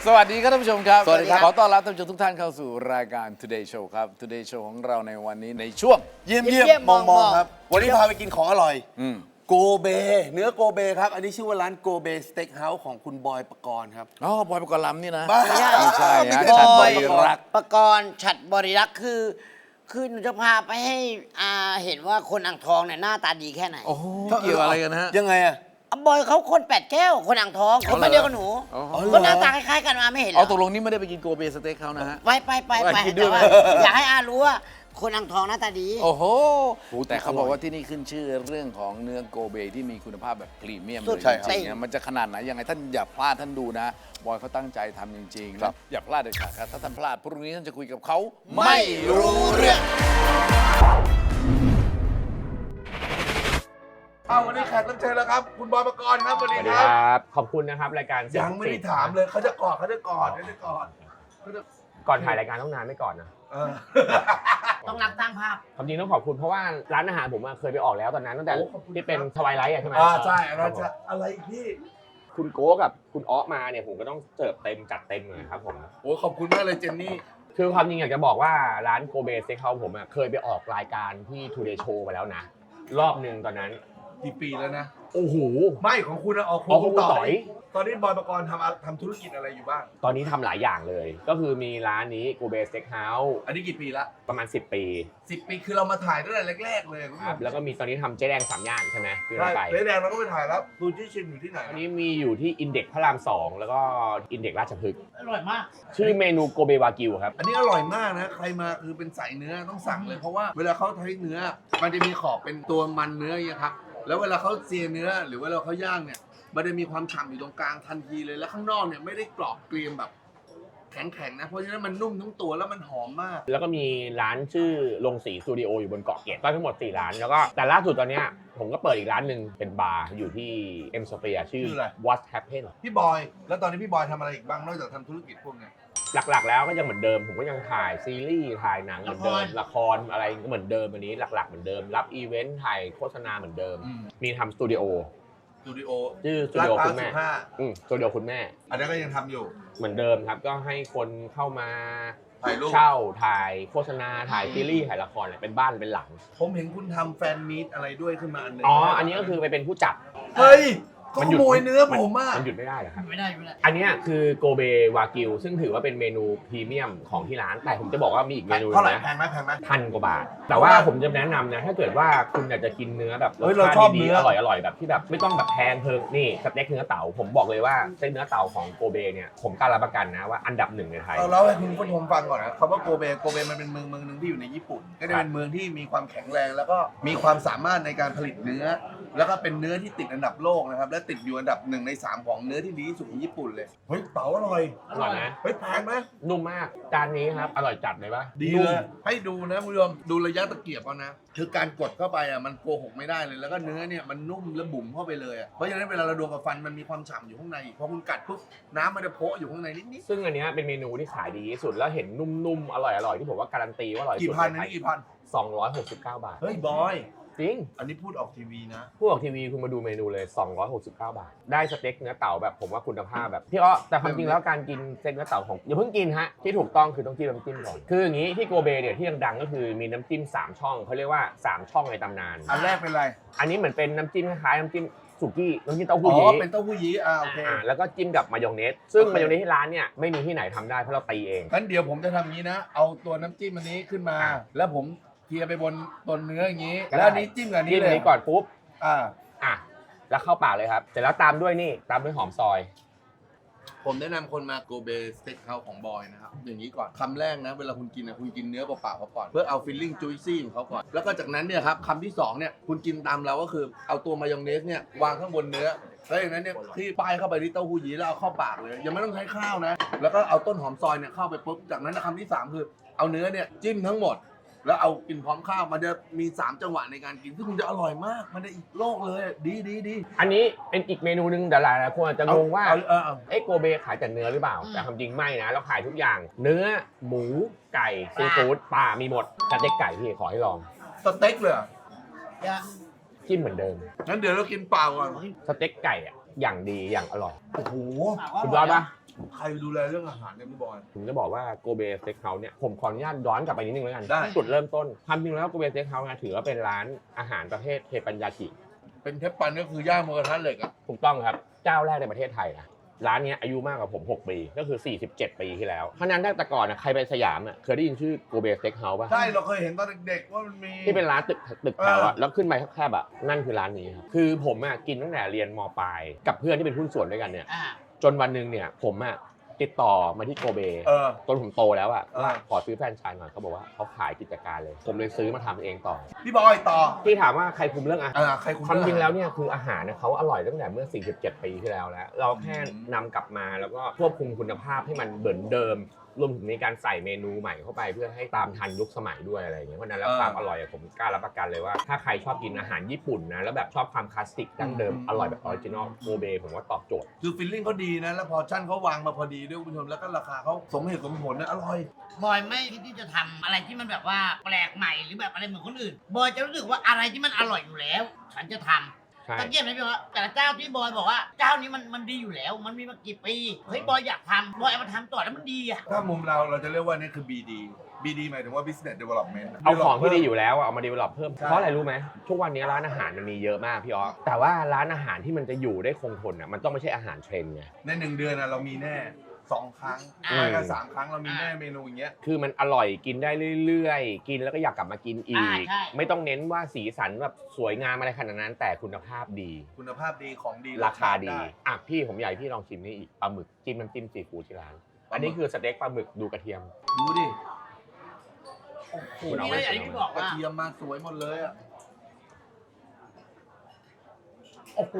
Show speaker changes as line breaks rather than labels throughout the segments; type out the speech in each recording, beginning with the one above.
วัสดีครับท่านผู้ชมครับ
สวัสดีครับ
ขอต้อนรับท่านผู้ชมทุกท่านเข้าสู่รายการ Today Show ครับ Today Show ของเราในวันนี้ในช่วง
เยี่ยมมองครับ วันนี้พาไปกินของอร่อยโกเบเนื้อโกเบครับ อันนี้ชื่อว่าร้านโกเบสเต็กเฮาส์ของคุณบอยปกรณ์ครับ
อ๋อบอยปกรณ์ลำนี่นะ
ไม่ใช่
ไม่ใช่ฮะ
ไม่ใช่
ฉัด
บบ อ
อย ยรัก
ประกรณ์ฉัดบริรักษ์คือหนูจะพาไปให้อาเห็นว่าคนอ่างทองเนี่ยหน้าตาดีแค่ไหน
โอ้โหเกี่ยวอะไรกันฮะ
ยังไงอะ
บอยเขาคนแปดแก้วคนอ่างทองคนไม่เดียวกับหนู
อ๋อ
ก็หน้าตาคล้ายๆกันมาไม่เห็นเหร
เอา
อ
ตกลงนี่ไม่ได้ไปกินโกเบสเต็กเขานะฮะ
ไป
ไปกินด้วยไหม
แต่ว่าอยากให้อารู้ว่าคนอ่างทองหน้าตาดี
โอ้โหแต่เขาบอกว่าที่นี่ขึ้นชื่อเรื่องของเนื้อโกเบที่มีคุณภาพแบบพรีเมียม
สุ
เล
ด
ย
ใช่
จ
ครับ
ริงๆนะมันจะขนาดไหนยังไงท่านอย่าพลาดท่านดูนะ บอยเขาตั้งใจทำจริงๆ
ครับ
อย่าพลาดเด็ดขาดครับถ้าท่านพลาดพรุ่งนี้ท่านจะคุยกับเขาไม่รู้เรื่อง
วันนี้แขกรับเชิญแล้วครับ คุณบอยปกรณ์ครับสวัส
ส
ดี
วัสดี
ค
ครับ รับ ขอบคุณนะครับรายการ
ยังไม่ได้ถามเลยเขาจะกอดเขาจะกอด
ก่อนถ่ายรายการต้องนานไม่ก่อนนะ
ต้องรักสร้างภาพ
ความจริงต้องขอบคุณเพราะว่าร้านอาหารผมอะเคยไปออกแล้วตอนนั้นตั้งแต่
โอ้ขอบคุณ
ที่เป็น
ครับ
ทวายไลท์ใช่ไหม
ใช่อันนั้น
ค
จะ
รับผม
อะไรอีกพี่
คุณโก้กับคุณอ๊อมาเนี่ยผมก็ต้องเสิร์ฟเต็มจัดเต็มเลยครับผม
โอ้ขอบคุณมากเลยเจนนี่
คือความจริงอยากจะบอกว่าร้านโกเบสเต็กเฮาส์ผมอะเคยไปออกรายการที่ Today Show มาแล้วนะ รอบหนึ่งตอนนั้น
กี่ปีแล้วนะ
โอ้โห
ไม่ของคุณนะออก
อ๋อของคุณต่อย
ตอนนี้บอยปกรณ์ทำธุรกิจอะไรอยู่บ้าง
ตอนนี้ทำหลายอย่างเลย ก็คือมีร้านนี้โกเบสเต็กเฮาส์
อันนี้กี่ปีละ
ประมาณ 10 ปี
10 ปีคือเรามาถ่ายตั้งแต่แรกๆเลยคุณผู้
ค
ช
รับ
ม
แล้วก็มีตอนนี้ทำเจ๊แดง3ย่านใช่ไหมคือ
ใช่
ร้านไก่
เจ๊แดงเราก็ไปถ่ายแล้วดูที่ชิมอยู่ที่ไหน
อันนี้มีอยู่ที่อินเด็กพระราม 2 แล้วก็อินเด็กราชพฤกษ์
อร่อยมาก
ชื่อเมนูโกเบวากิวครับ
อันนี้อร่อยมากนะ ใครมาคือเป็นสายเนื้อต้องสั่งเลยเพราะว่าเวลาเขาใช้เนื้อ มันจะมีขอบเป็นตัวมันเนื้ออย่างเงี้ยครับ แล้วเวลาเขาเจียเนื้อหรือเวลาเขาย่างเนี่ย มันจะมีความฉ่ำอยู่ตรงกลางทันทีเลย แล้วข้างนอกเนี่ยไม่ได้กรอบเกรียมแบบแข็งๆนะ เพราะฉะนั้นมันนุ่มทั้งตัวแล้วมันหอมมาก
แล้วก็มีร้านชื่อลงสีสตูดิโออยู่บนเกาะเกร็ดก็ทั้งหมด 4 ร้าน แล้วก็แต่ล่าสุดตอนเนี้ยผมก็เปิดอีกร้านหนึ่งเป็นบาร์อยู่ที่เอ็มสเฟียชื่อ
ชื่ออะไร
What Happened
พี่บอย แล้วตอนนี้พี่บอยทำอะไรอีกบ้างนอกจากทำธุรกิจพวกเนี้ย
หลักๆ แล้วก็ยังเหมือนเดิม ผมก็ยังถ่ายซีรีส์ถ่ายหนังเหมือนเดิม ละครอะไรก็เหมือนเดิมอันนี้หลักๆเหมือนเดิม รับอีเวนต์ถ่ายโฆษณาเหมือนเดิม มีทำสตูดิโอ
สตูดิโอ
ชื่อสตู
ลาด
ดิโอ
พร้า
คุ
ว
ณแม่
15
สตูดิโอคุณแม่
อันนั้นก็ยังทำอยู่
เหมือนเดิมครับ ก็ให้คนเข้ามา
ถ่ายรูป
เช่าถ่ายโฆษณาถ่ายซีรีส์ถ่ายละครเนี่ยเป็นบ้านเป็นหลัง
ผมเห็นคุณทำแฟนมีตอะไรด้วยขึ้นมาอันหนึง
อ๋อ อันนี้ก็คือไปเป็นผู้จัด
เฮ้ยเขาข
หยุด
โมยเนื้อผมมาก
มันหยุดไม่ได้เหรอครับ
ไม่ได้
อันเนี้ยคือโกเบวากิวซึ่งถือว่าเป็นเมนูพรีเมียมของที่ร้าน แต่ผมจะบอกว่ามีอีกเมนูห
เท่าไหร่
นึง
แพ
นะ
งไหมแพงไหม
พันกว่าบาท แต่ว่าผมจะแนะนำนะ ถ้าเกิดว่าคุณอยากจะกินเนื้อแบบร
เฮ้
ส
ยเรา
ชา
ชอบ
ติดี
เนื้
ๆ
อ
อร่อยๆแบบที่แบบไม่ต้องแบบแพงเพิงนี่สเต็กเนื้อเต่าผมบอกเลยว่าสเต็กเนื้อเต่าของโกเบเนี่ยผมกล้ารับประกันนะว่าอันดับหนึ่งในไทย
เราเล่าให้คุณผู้ชมฟังก่อนนะคำว่าโกเบมันเป็นเมืองหนึ่งที่อยู่ในญี่ปุ่น ก็จะเป็นเมืองที่มีความแข็งแรงแล้วก็มีความสามารถในการผลิตเนื้อ แล้วก็เป็นเนื้อที่ติดอันดับโลกนะครับและติดอยู่อันดับ1 ใน 3ของเนื้อที่ดีที่สุดของญี่ปุ่นเลยเฮ้ยเต๋าอร่อย
อร่อยนะ
เฮ้ยแพงไหม
นุ่มมากจานนี้ครับอร่อยจัดเลยปะ
ดี
นุ่
เล
ม
ยให้ดูนะคุณผู้ชมดูระยะตะเกียบเอานะคือการกดเข้าไปอ่ะมันโกหกไม่ได้เลย แล้วก็เนื้อเนี่ยมันนุ่มและบุ๋มเข้าไปเลยอ่ะเพราะฉะนั้นเวลาเราโดนกับฟันมันมีความฉ่ำอยู่ข้างในพอคุณกัดปุ๊บน้ำมันจะโผล่อยู่ข้างในนิด
ซึ่งอันเนี้ยเป็นเมนูที่ขายดีที่สุดแล้วเห็นนุ่มๆอร่อยๆที่ผมว่าการันตีว่าอร่อย
ๆ
ที่
กี่
สุด
พัน
ใน
นะ
ไทย
นี่กี่พัน
269 บาท
เฮ้ยบอย
จริง
อันนี้พูดออกทีวีนะ
ผู้ออกทีวีคุณมาดูเมนูเลย 269 บาท ได้สเต็กเนื้อเต่าแบบผมว่าคุณภาพแบบพี่อ้อแต่ความจริงแล้วการกินสเต็กเนื้อเต่าของอย่าเพิ่งกินฮะที่ถูกต้องคือต้องจิ้มน้ำจิ้มก่อนคืออย่างนี้ที่โกเบเนี่ยที่ดังๆก็คือมีน้ำจิ้ม3ช่องเขาเรียกว่า3ช่องในตำนาน
อันแรกเป็นอะไร
อันนี้เหมือนเป็นน้ำจิ้มคล้ายๆน้ำจิ้มสุกี้น้ำจิ้มเต้า
อ๋
หู้
อ
ยี้
เป็นเต้าหู้ยี้โอเค
แล้วก็จิ้มกับมายองเนสซึ่ง
โอเค
มายองเนสที่ร้านเนี่ยไม่มีที่ไหนทำได้เพราะเราตีเอง
งั้นเดี๋ยวผมจะทำงี้นะ เอาตัวน้ำจิ้มอันนี้ขึ้นมา
อ่ะ
แล้วผมเทียไปบนตัวเนื้ออย่างนี้
ก็ได้
แล้วอันนี้จิ้มกับอันนี้
จิ้ม
เล
อัน
ย
นี้ก่อนปุ๊บ
อ่า
อ่ะแล้วเข้าปากเลยครับเสร็จแล้วตามด้วยนี่ตามด้วยหอมซอย
ผมแนะนำคนมาโกเบสเต็กเฮาส์ของบอยนะครับอย่างนี้ก่อนคำแรกนะเวลาคุณกินนะคุณกินเนื้อเปล่าๆเขาก่อนเพื่อเอาฟิลลิ่งจุยซี่ของเขาก่อนแล้วก็จากนั้นเนี่ยครับคำที่สองเนี่ยคุณกินตามเราก็คือเอาตัวมายองเนสเนี่ยวางข้างบนเนื้อแล้วอย่างนั้นเนี่ยที่ป้ายเข้าไปที่เต้าหู้ยี้แล้วเอาเข้าปากเลยยังไม่ต้องใช้ข้าวนะแล้วก็เอาต้นหอมซอยเนี่ยเข้าไปปุ๊บจากนั้นนะคำที่สามคือเอาเนื้อเนี่ยจิ้มทั้งหมด แล้วเอากินพร้อมข้าวมันจะมี3จังหวะในการกินซึ่งคุณจะอร่อยมากมันจะอีกโลกเลยดี
อันนี้เป็นอีกเมนูหนึงแต่หลายคนอาจจะงงว่า
เอา
เอ้โกเบขายแต่เนื้อหรือเปล่า แต่ความจริงไม่นะ เราขายทุกอย่าง เนื้อ หมู ไก่ ซีฟู้ดปลา มีหมดสเต็กไก่พี่ขอให้ลอง
สเต็กเลยเหรอ
จิ้มเหมือนเดิม
งั้นเดี๋ยวเรากินเปล่าก่อน
สเต็กไก่อะอย่างดีอย่างอร่อย
โอ้โห
สุดยอดปะ
ใครดูแลเรื่องอาหารเนี่ยพี่บอย
ผมจะบอกว่าโกเบสเต็กเฮาส์เนี่ยผมขออนุญาตย้อนกลับไปนิดนึงแล้วกัน
ได้
จุดเริ่มต้นความจริงแล้วโกเบสเต็กเฮาส์ถือว่าเป็นร้านอาหารประเภทเทปัญญากิ
เป็นเทปปันก็คือย่างมือกระทะเหล็กอ่ะ
ถูกต้องครับเจ้าแรกในประเทศไทยนะร้านเนี้ยอายุมากกว่าผม 6 ปีก็คือ 47 ปีที่แล้วเพราะฉะนั้นแต่ก่อนนะใครไปสยามเคยได้ยินชื่อโกเบสเต็กเฮาส์ป่ะ
ใช่เราเคยเห็นตอนเด็กๆว่ามันมี
ที่เป็นร้านตึกแถวอะแล้วขึ้นไปแคบๆอะนั่นคือร้านนี้ครับคือผมกินตั้งแต่เรียนมปลายกับเพื่อนที่เป็นหุ้นส่วนด้วยกันเนี่ย
อ่า
จนวันหนึ่งเนี่ยผมติดต่อมาที่โกเบ จนผมโตแล้วว่าขอซื้อแฟรนไชส์หน่อยเขาบอกว่าเขาขายกิจการเลย ผมเลยซื้อมาทำเองต่อ
พี่บอยต่อ
ที่ถามว่าใครคุมเรื่องอาหาร
ใครคุณ
ความจริงแล้วเนี่ยคืออาหารเขาอร่อยตั้งแต่เมื่อ 47 ปีที่แล้วแล้ว เราแค่นำกลับมาแล้วก็ควบคุมคุณภาพให้มันเหมือนเดิม รวมถึงในการใส่เมนูใหม่เข้าไปเพื่อให้ตามทันยุคสมัยด้วยอะไรอย่างเงี้ยเพราะฉะนั้นแล้วความอร่อยผมกล้ารับประกันเลยว่าถ้าใครชอบกินอาหารญี่ปุ่นนะแล้วแบบชอบความคลาสสิกดั้งเดิมอร่อยแบบออริจินอลโกเบผมว่าตอบโจทย์
คือฟิลลิ่งเขาดีนะแล้วพอชั่นเขาวางมาพอดีด้วยคุณผู้ชมแล้วก็ราคาเขาสมเหตุสมผลนะอร่อย
บอยไม่คิดที่จะทำอะไรที่มันแบบว่าแปลกใหม่หรือแบบอะไรเหมือนคนอื่น บอยจะรู้สึกว่าอะไรที่มันอร่อยอยู่แล้ว ฉันจะทำ
ใช่
ตะเกียบนะพี่ว่าแต่ละเจ้าที่บอยบอกว่าเจ้านี้มันดีอยู่แล้ว มันมีมากี่ปีเฮ้ยบอยอยากทำบอยเอามาทำต่อแล้วมันดีอ่ะ
ถ้ามุมเราจะเรียกว่านี่คือ BD BD หมายถึงว่า Business Development
เอาของที่ดีอยู่แล้วเอามาดีเวลลอปเพิ่ม
ใช่
เพราะอะไรรู้ไหมทุกวันนี้ร้านอาหารมันมีเยอะมากพี่อ๋อแต่ว่าร้านอาหารที่มันจะอยู่ได้คงทนมันต้องไม่ใช่อาหารเทรนด์ไง
ใน1 เดือนเรามีแน่2 ครั้ง
อ่า
ไม่ก็3 ครั้งเรามีแน่เมนูอย่างเงี้ย
คือมันอร่อยกินได้เรื่อยๆ กินแล้วก็อยากกลับมากินอีก
ใช่
ไม่ต้องเน้นว่าสีสันแบบสวยงามอะไรขนาดนั้น แต่คุณภาพดี
คุณภาพดีของดี
ราคาดี
ไ
อ่ะพี่ผมอยากให้พี่ลองชิมนี่อีกปลาหมึกจิ้มน้ำจิ้มซีฟู้ดที่ร้าน
ปลาหมึก
อันนี้คือสเต็กปลาหมึกดูกระเทียม
ดูดิ
คุณเอา
นี่
ไว้
นะอย่างที่พี่บอก
กระ
ว่า
เทียมมาสวยหมดเลยอ่ะโอ้โห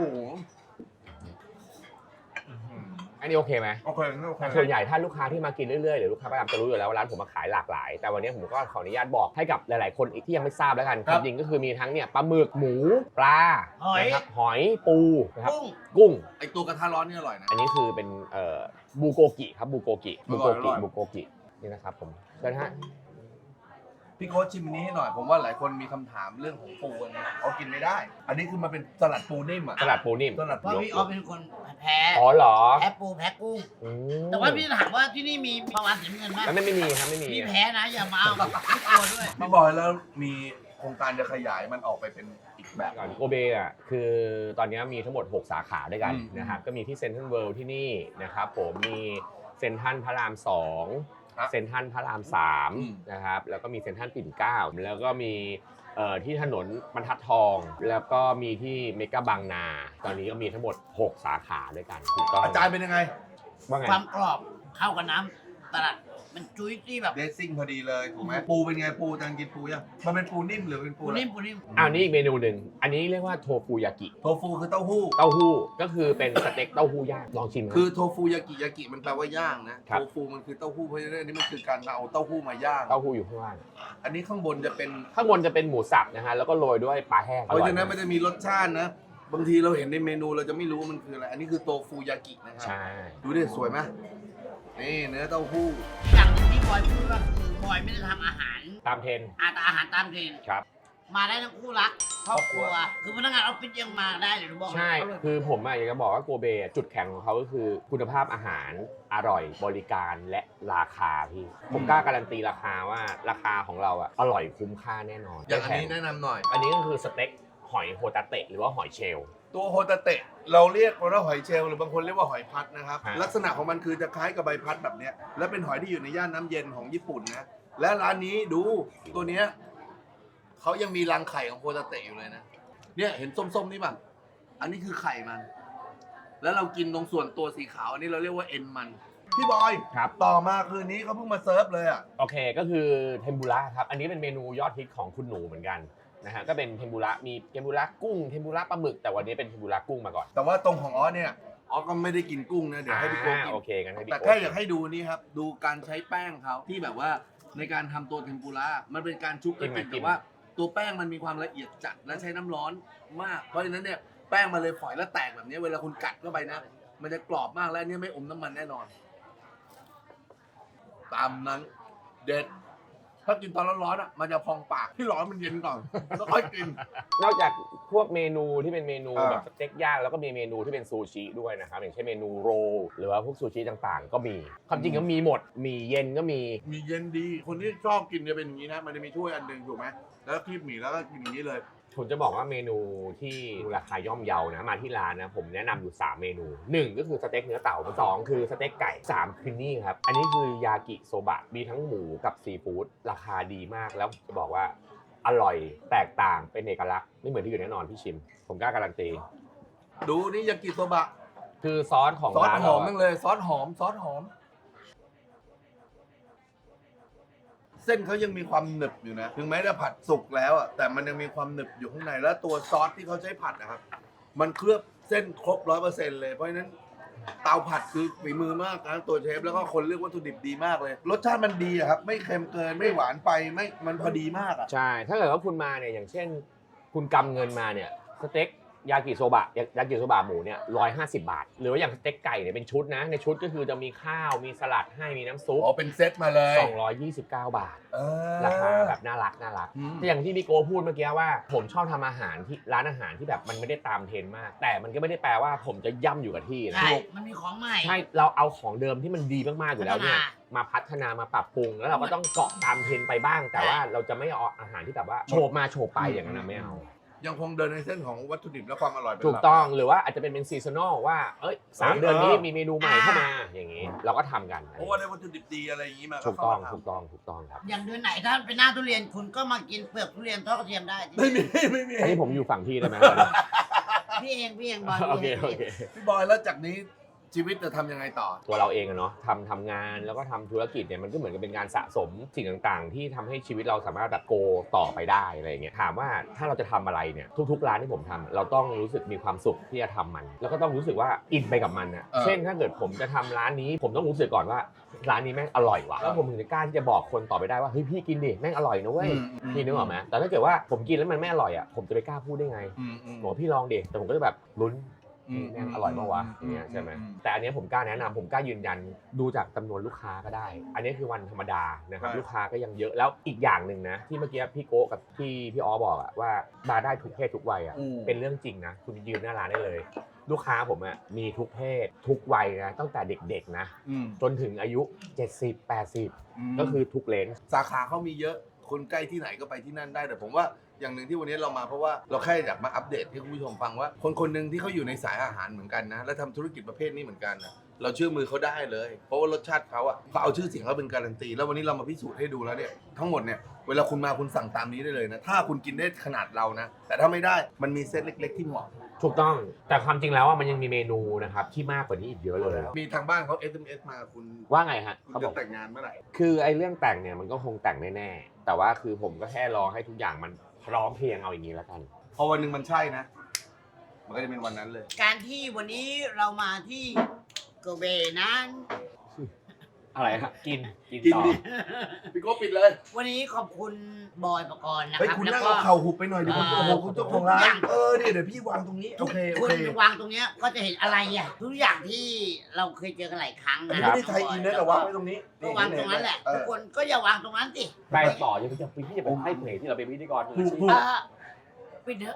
อันนี้โอเคไหม
โอเคโอเค
ส่วนใหญ่ถ้าลูกค้าที่มากินเรื่อยๆหรือลูกค้าประจำจะรู้อยู่แล้วว่าร้านผมมาขายหลากหลาย แต่วันนี้ผมก็ขออนุญาตบอกให้กับหลายๆคนอีกที่ยังไม่ทราบแล้วกันความจริงก็คือมีทั้งเนี่ยปลาหมึกหมูปลา
หอย
นะครับหอยปูนะครับ
กุ้ง
กุ้ง
ไอตัวกระทะร้อนนี่อร่อยนะ
อันนี้คือเป็นบูโกกิครับบูโกกิ
อร่อยอร่อย
บูโกกินี่นะครับผมเชิญฮะ
พี่โค้ชชิมอันนี้ให้หน่อย ผมว่าหลายคนมีคำถามเรื่องของปูอันนี้เขากินไม่ได้ อันนี้คือมันเป็นสลัดปูนิ่มอ่ะ
สลัดปูนิ่ม
สลัด
เพราะ
ปู
พี่ออฟเป็นคนแพ้
อ๋อเหรอ
แพ้ปูแพ้กุ้ง
อืม
แต่ว่าพี่ถามว่าที่นี่มีประวัติเสียเงินไหม
แล้วไม่มีครับไม่มี
พี่แพ้นะอย่ามาเอาไม่กลัวด้วย
พี่บอยแล้วมีโครงการจะขยายมันออกไปเป็นอีกแบบ
ก่อนโกเบคือตอนนี้มีทั้งหมด 6 สาขาด้วยกัน
อืม
นะครับก็มีที่เซ็นทรัลเวิลด์ที่นี่นะครับผมมีเซ็นทรัลพระราม
ครับ
2เซ็นทรัลพระราม
อืม
3นะครับแล้วก็มีเซ็นทรัลปิ่นเกล้าแล้วก็มีที่ถนนบรรทัดทอง แล้วก็มีที่เมกะบางนา ตอนนี้ก็มีทั้งหมด 6 สาขาด้วยกันถูกต้อง
อาจารย์เป็นยังไง
ว่าไง
ความกรอบเข้ากับน้ำตลาดมันจุ้ยที่แบบ
เดซซิ่งพอดีเลยถูกไหมปูเป็นไงปูอาจารย์กินปูยังมันเป็นปูนิ่มหรือเป็นปู
ปู
อะไร
นิ่มปูนิ่ม
อ้าวนี่อีกเมนูหนึ่งอันนี้เรียกว่าโทฟูยากิ
โทฟูคือเต้าหู้
เต้าหู้ก็คือเป็นสเต็กเต้าหู้ย่างลองชิมนะ
คือโทฟูยากิมันแปลว่าย่างนะครับ โทฟูมันคือเต้าหู้เพราะฉะนั้นอันนี้มันคือการเอาเต้าหู้มาย่าง
เต้าหู้อยู่ข้างล่าง
อันนี้ข้างบนจะเป็น
ข้างบนจะเป็นหมูสับนะฮะแล้วก็โรยด้วยปลาแห้ง
เพราะฉะนั้น
อ
มัน
อย
จะมีรสชาตินะ บางทีเราเห็นในเมนูเราจะไม่รู้ว่ามันคืออะไร อันนี้คือโตฟูยากินะครั
ใช่
ดูดิสวยไหมนี่เนื้อเต้าหู้
อย่างหนึงที่บอยพูดว่าคือบอยไม่ได้ทำอาหาร
ตามเทรนด์
อาหารตามเทรนด์
ครับ
มาได้ทั้งคู่รักครอบครัว คือพนักงานออฟฟิศยังมาได้เลยหนูบอกเลย
ใช่
อร่อย
คือผมอยากจะบอกว่าโกเบจุดแข็งของเขาก็คือคุณภาพอาหารอร่อยบริการและราคาพี่ ผมกล้าการันตีราคาว่าราคาของเราอะอร่อยคุ้มค่าแน่นอน
อย่างอันนี้
ไม่แพ
แนะนำหน่อย
อันนี้ก็คือสเต็กหอยโฮตาเตะหรือว่าหอยเชลล์
ตัวโฮตาเตะเราเรียกว่าหอยเชลล์หรือบางคนเรียกว่าหอยพัดนะครับ
ฮะ
ลักษณะของมันคือจะคล้ายกับใบพัดแบบเนี้ยและเป็นหอยที่อยู่ในย่านน้ำเย็นของญี่ปุ่นนะ และร้านนี้ดูตัวเนี้ยเขายังมีรังไข่ของโฮตาเตะอยู่เลยนะ เนี่ยเห็นส้มๆนี่ป่ะ อันนี้คือไข่มัน แล้วเรากินตรงส่วนตัวสีขาวอันนี้เราเรียกว่าเอ็นมัน พี่บอย
ครับ
ต่อมาคืนนี้เขาเพิ่งมาเซิร์ฟเลยอ่ะ
โอเคก็คือเทมปุระครับ อันนี้เป็นเมนูยอดฮิตของคุณหนูเหมือนกันนะฮะก็เป็นเทมปุระมีเทมปุระกุ้งเทมปุระปลาหมึกแต่วันนี้เป็นเทมปุระกุ้งมาก่อน
แต่ว่าตรงของออสเนี่ยออสก็ไม่ได้กินกุ้งนะเดี๋ยวให้พี่โก้กิน
โอเคกันให้พี่
แต่
โก้
แค่อยากให้ดูนี่ครับ ดูการใช้แป้งเขาที่แบบว่าในการทำตัวเทมปุระมันเป็นการชุบกระติกแต่ว่าตัวแป้งมันมีความละเอียดจัดและใช้น้ำร้อนมาก เพราะฉะนั้นเนี่ยแป้งมันเลยฝอยและแตกแบบนี้เวลาคุณกัดเข้าไปนะ มันจะกรอบมากและอันเนี่ยไม่อมน้ำมันแน่นอน ตามนั้นเด็ดถ้ากินตอนร้อนๆอ่ะมันจะพองปากที่ร้อนมันเย็นก่อนแล้วค่อยกิน
นอกจากพวกเมนูที่เป็นเมนู
อ่า
แบบสเต็กย่างแล้วก็มีเมนูที่เป็นซูชิด้วยนะครับอย่างเช่นเมนูโรลหรือว่าพวกซูชิต่างๆ ก็มีความจริงก็มีหมดมีเย็นก็มี
มีเย็นดีคนที่ชอบกินจะเป็นอย่างนี้นะมันจะมีถ้วยอันหนึงถูกไหมแล้วก็คีบหมี่แล้วก็กินอย่างนี้เลย
ผมจะบอกว่าเมนูที่ราคาย่อมเยานะมาที่ร้านนะผมแนะนำอยู่ 3 เมนู 1 ก็คือสเต็กเนื้อเต่า2คือสเต็กไก่3คือนี่ครับอันนี้คือยากิโซบะมีทั้งหมูกับซีฟู้ดราคาดีมากแล้วจะบอกว่าอร่อยแตกต่างเป็นเอกลักษณ์ไม่เหมือนที่อื่นแน่นอนพี่ชิมผมกล้าการันตี
ดูนี่ยากิโซบะ
คือซอสของ
ซอส
ร้าน
หอม
เรา
มากเลยซอสหอมเส้นเขายังมีความหนึบอยู่นะถึงแม้จะผัดสุกแล้วอ่ะแต่มันยังมีความหนึบอยู่ข้างในแล้วตัวซอสที่เขาใช้ผัดนะครับมันเคลือบเส้นครบ 100% เลยเพราะฉะนั้นเตาผัดคือฝีมือมากนะตัวเชฟแล้วก็คนเลือกวัตถุดิบดีมากเลยรสชาติมันดีอะครับไม่เค็มเกินไม่หวานไปไม่มันพอดีมากอ่ะ
ใช่ถ้าเกิดว่าคุณมาเนี่ยอย่างเช่น คุณกำเงินมาเนี่ยสเต็กยากิโซบะยากิโซบะหมูเนี่ย150 บาทหรือว่าอย่างสเต็กไก่เนี่ยเป็นชุดนะในชุดก็คือจะมีข้าวมีสลัดให้มีน้ำซุป
อ๋อเป็นเซตมาเลย
229 บาท
เออ
ราคาแบบน่ารัก
อืม
แต่อย่างที่พี่โกพูดเมื่อกี้ว่าผมชอบทำอาหารที่ร้านอาหารที่แบบมันไม่ได้ตามเทรนด์มาก แต่มันก็ไม่ได้แปลว่าผมจะย่ำอยู่กับที่นะ
ใช่มันมีของใหม่
ใช่เราเอาของเดิมที่มันดีมากๆอยู่แล้วเนี่ย
พัฒนา
มาพัฒนามาปรับปรุงแล้วเราก็ต้องเกาะตามเทรนด์ไปบ้าง แต่ว่าเราจะไม่เอาอาหารที่แบบว่าโฉบมาโฉบไปอย่างนั้นนะไม่เอา
ยังคงเดินในเส้นของวัตถุดิบและความอร่อยเป็นหลั
ถูกต้องหรือว่าอาจจะเป็นซีซันอลว่าเอ้ย3 เดือนนี้มีเมนูใหม่เข้ามาอย่างนี้ เราก็ทำกัน
เพราะว่าได้วัตถุดิบดีอะไรอย่างนี้มา
ถูกต้อง
เข้ามาทำ
ถูกต้องถูกต้องครับ
อย่างเดือนไหนถ้าเป็นหน้าทุเรียนคุณก็มากินเปลือกทุเรียนทอดกระเทียมได้
ไม่มี
อันนี้ผมอยู่ฝั่งพี่ได้ไหม
พี่เองบอย
โอเค
พี่
โอเค
พี่บอยแล้วจากนี้ชีวิตจะทำยังไงต่อ
ตัวเราเองอะเนาะทำงานแล้วก็ทำธุรกิจเนี่ยมันก็เหมือนกับเป็นการสะสมสิ่งต่างๆ ที่ทำให้ชีวิตเราสามารถแบบโกต่อไปได้อะไรอย่างเงี้ยถามว่าถ้าเราจะทำอะไรเนี่ยทุกๆร้านที่ผมทำเราต้องรู้สึกมีความสุขที่จะทำมัน แล้วก็ต้องรู้สึกว่าอินไปกับมันอะ
เออ
เช่นถ้าเกิดผมจะทำร้านนี้ผมต้องรู้สึกก่อนว่าร้านนี้แม่งอร่อยว่ะแล้วผมถึงจะกล้าที่จะบอกคนต่อไปได้ว่าเฮ้ยพี่กินดิแม่งอร่อยนะเว้ยพี่นึกออกไหมแต่ถ้าเกิดว่าผมกินแล้วมันไม่อร่อยอะผมจะไปกล้าพูดได้ไงบอกพี่ลองดิแต่ผมก็จะแบบลุ้น แม่งอร่อยมากวะอย่างเงี้ยใช่ไหมแต่อันเนี้ยผมกล้าแนะนำผมกล้ายืนยันดูจากจำนวนลูกค้าก็ได้ อันนี้คือวันธรรมดานะครับ
ใช่
ลูกค้าก็ยังเยอะแล้วอีกอย่างหนึ่งนะที่เมื่อกี้พี่โก้กับพี่อ๋อบอกอะว่ามาได้ทุกเพศทุกวัยอะเป็นเรื่องจริงนะคุณยืนหน้าร้านได้เลย ลูกค้าผมอะมีทุกเพศทุกวัยนะตั้งแต่เด็กๆนะจนถึงอายุ 70-80 ก็คือทุกเลนส์
สาขาเขามีเยอะคนใกล้ที่ไหนก็ไปที่นั่นได้แต่ผมว่าอย่างหนึ่งที่วันนี้เรามาเพราะว่าเราแค่อยากมาอัปเดตให้คุณผู้ชมฟังว่าคนคนหนึ่งที่เขาอยู่ในสายอาหารเหมือนกันนะและทำธุรกิจประเภทนี้เหมือนกันนะเราเชื่อมือเขาได้เลยเพราะว่ารสชาติเขาอ่ะเขาเอาชื่อเสียงเขาเป็นการันตีแล้ววันนี้เรามาพิสูจน์ให้ดูแล้วเนี่ยทั้งหมดเนี่ยเวลาคุณมาคุณสั่งตามนี้ได้เลยนะถ้าคุณกินได้ขนาดเรานะแต่ถ้าไม่ได้มันมีเซตเล็ก ๆ ที่เหมาะ
ถูกต้องแต่ความจริงแล้วว่ามันยังมีเมนูนะครับที่มากกว่านี้อีกเยอะเลย
มีทางบ้านเขา SMS มาคุณ
ว่าไงฮะ
คุณ
เขาบ
จะ
อก
แต่งงานเมื่อไหร่
คือไอ้เรื่องแต่งเนี่ยมันก็คงแต่งแน่ๆแต่ว่าคือผมก็แค่รอให้ทุกอย่างมันพร้อมเพรียงเอาอย่างนี้แล้วกัน
พอวันหนึ่งมันใช่นะ มันก็จะเป็นวันนั้นเลย
การที่วันนี้เรามาที่โกเบนั้น
อะไรฮะกิน
กิน
ต่อ
ดิ พี่โก้ปิดเลย
วันนี้ขอบคุณบอยปกรณ์นะ
เฮ้ย
ครับ
คุณ
แล้ว
นั่ง
ก็
เอาเข่าหุบไปหน่อยดิคุณ
เออ
โอ้โหคุณเจ้าของร้า
ทุกอย่าน ง
เดี๋ยวพี่วางตรงนี้ โอเค โอ
คุณ
เค
วางตรงเนี้ยก็จะเห็นอะไรอ่ะทุกอย่างที่เราเคยเจอกันหลายครั้ง
อัน
นะ
นี้ไม่ได้ไทยอินนะแต่วางไว้ตรงนี้
ก็วางตรงนั้นแหละ
เอ
ทุ
อก
คนก็อย่าวางตรงนั้นสิ
ไปต่อยังจะพี่จะไปให้เพลงที่เราเป็นพิธีกร
ถูก
เออปิดเถอะ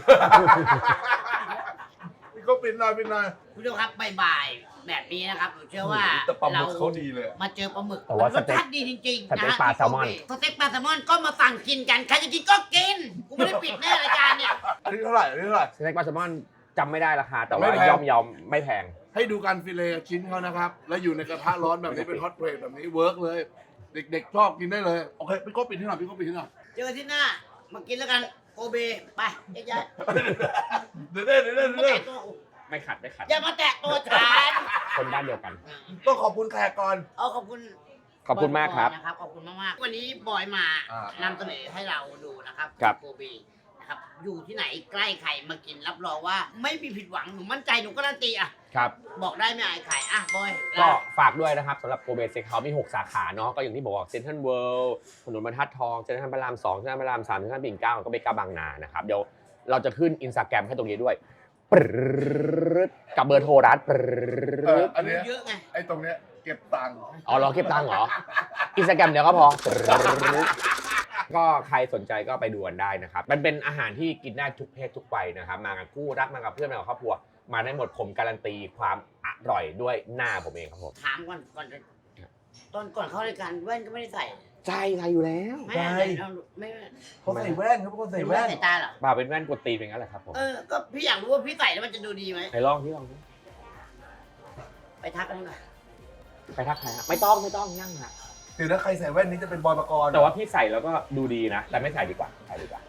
พี่โก้ปิดหน่อยปิดหน่อย
คุณผู้ชมครับบ่ายๆแบบนี้นะครับผมเชื่อว่า
แต่ปลาหมึ
เรา
กเขาดีเลย
มาเจอปลาหมึก
แต่ว่า
มันรสชาติดีจริงๆ
สเต็ก
นะฮะ
ปลาแซลมอน
สเต็กปลาแซลมอนก็มาสั่งกินกันใครจะกินก็กินกูไม่ได้ปิดแน่รายการเนี่ย
อันนี้เท่าไหร่อันนี้เท่าไหร่
สเต็กปลาแซลมอนจำไม่ได้ราคาแต่ว่า
ไม่แพง
ย่อมไม่แพง
ให้ดูการฟิเลต์ชิ้นเขานะครับ แล้วอยู่ในกระทะร้อนแบบนี้เป็นฮอตเพลทแบบนี้เวิร์กเลย เด็กๆชอบกินได้เลย โอเค พี่โก้ปิดที่หน่อยพี่โก้ปิดที่หน่อย
เจอกันที่หน้ามากินแล้วกันโกเบไปย้าย
เดี๋ยว
ๆมาแตะตัวกู
ไม่ขัด
อย่ามาแตะตัวฉัน
คนบ้านเดียวกัน
ต้องขอบคุณแขกก่อน
เอาขอบคุณ
ขอบคุณมากครับ
นะครับขอบคุณมากๆวันนี้บอยมา
อ่าน
ำเสนอให้เราดูนะครับ
ครับ
โกเบนะครับอยู่ที่ไหนใกล้ใครมากินรับรองว่าไม่มีผิดหวังหนูมั่นใจหนูการันตีอ่ะ
ครับ
บอกได้ไม่อายขายอ่ะบอย
ก็ฝากด้วยนะครับสำหรับโกเบสเซ็กเฮาส์มี 6 สาขาเนาะก็อย่างที่บอกเซ็นทรัลเวิลด์ถนนบรรทัดทองเซ็นทรัลพระราม 2เซ็นทรัลพระราม 3เซ็นทรัลปิ่นเกล้าแล้วก็เบกาบางนานะครับเดี๋ยวเราจะขึ้น Instagram ให้ตรงนี้ด้วยปรึ๊ดกับเบอร์โทรร้านปรึ๊ด
อันเนี้ย
เยอะไง
ไอ้ตรงเนี้ยเก็บตังค์
อ๋อรอเก็บตังค์เหรออินสตาแกรมเดี๋ยวก็พอ ก็ใครสนใจก็ไปดูกันได้นะครับ มันเป็นอาหารที่กินได้ทุกเพศทุกวัยนะครับ มากับคู่รักมากับเพื่อนมากับครอบครัว มาได้หมดผมการันตีความอร่อยด้วยหน้าผมเองครับผม
ถามก่อนจะตอนก่อนเข้ารายการแว่นก็ไม่ได้ใส่
ใช่อยู่แล้ว
ไม่ได้ไม่
เขาใส่แว่นเขาเป็นคนใส่แว่น
ใส่ตาเหรอ
บ่าเป็นแว่นกดตีนเป็นงั้นแหละครับผม
ก็พี่อยากรู้ว่าพี่ใส่แล้วมันจะดูดีไหม
ไหนลองที่ลองดิ
ไปทักกันหน่อย
ไปทักใครฮะไม่ต้องนั่งฮะ
คือถ้าใครใส่แว่นนี้จะเป็นบอยปกรณ์
แต่ว่าพี่ใส่แล้วก็ดูดีนะ แต่ไม่ใส่ดีกว่าไม่ใส่ดีกว่า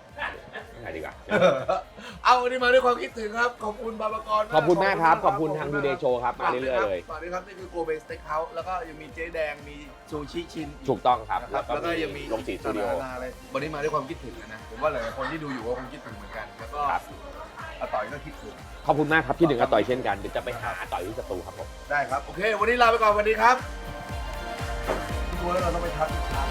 เอาวันนี้มาด้วยความคิดถึงครับ ขอบคุณบอยปกรณ์
ขอบคุณมากครับ ขอบคุณทางดูเดย์โชว์ครับ มาเรื่อยๆเลย
สวัสดีครับนี่คือโกเบสเต็กเฮาส์แล้วก็ยังมีเจ๊แดงมีซูชิชิน
ถูกต้องครับ
นะครับแล้วก็ยังมี
ลงสีสตูดิโอ
นาอะไรวันนี้มาด้วยความคิดถึงนะผมว่าหลายๆคนที่ดูอยู่ก็คงคิดถึงเหมือนกันแล้วก็อาต่อยก็คิดถึง
ขอบคุณมากครับที่ถึงอาต่อยเช่นกันเดี๋ยวจะไปหาอาต่อยที่สตูครับผม
ได้ครับ โอเค วันนี้ลาไปก่อนวันนี้ครับตัวแล้วเราต้องไปทัก